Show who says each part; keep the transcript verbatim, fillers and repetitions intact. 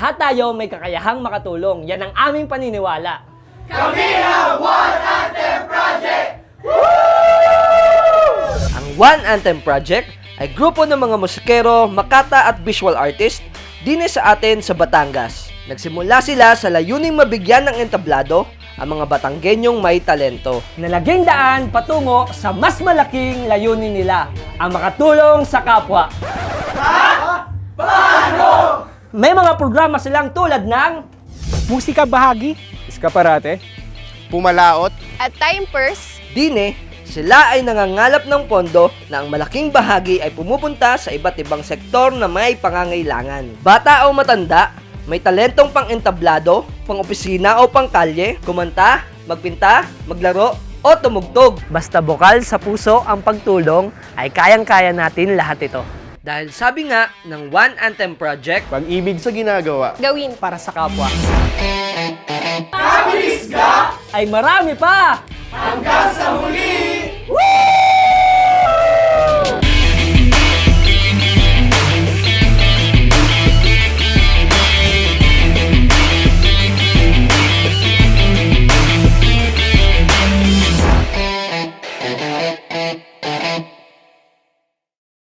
Speaker 1: lahat tayo may kakayahang makatulong. Yan ang aming paniniwala.
Speaker 2: Kami ang One Anthem Project!
Speaker 3: Ang One Anthem Project ay grupo ng mga musikero, makata at visual artist dine sa atin sa Batangas. Nagsimula sila sa layuning mabigyan ng entablado ang mga Batanggenyong may talento.
Speaker 1: Nalaging daan patungo sa mas malaking layunin nila, ang makatulong sa kapwa.
Speaker 2: Paano?
Speaker 1: May mga programa silang tulad ng
Speaker 4: Musika bahagi, eskaparate,
Speaker 5: Pumalaot,
Speaker 6: At time purse,
Speaker 3: Dine, sila ay nangangalap ng pondo na ang malaking bahagi ay pumupunta sa iba't ibang sektor na may pangangailangan. Bata o matanda, may talentong pang-entablado, pang-opisina o pang-kalye, kumanta, magpinta, maglaro, o tumugtog.
Speaker 1: basta bukal sa puso ang pagtulong, ay kayang-kaya natin lahat ito.
Speaker 3: Dahil sabi nga ng One Anthem Project,
Speaker 5: pag-ibig sa ginagawa.
Speaker 6: gawin.
Speaker 1: Para sa kapwa.
Speaker 2: Kabilis ka
Speaker 1: Ay marami pa!
Speaker 2: hanggang sa muli!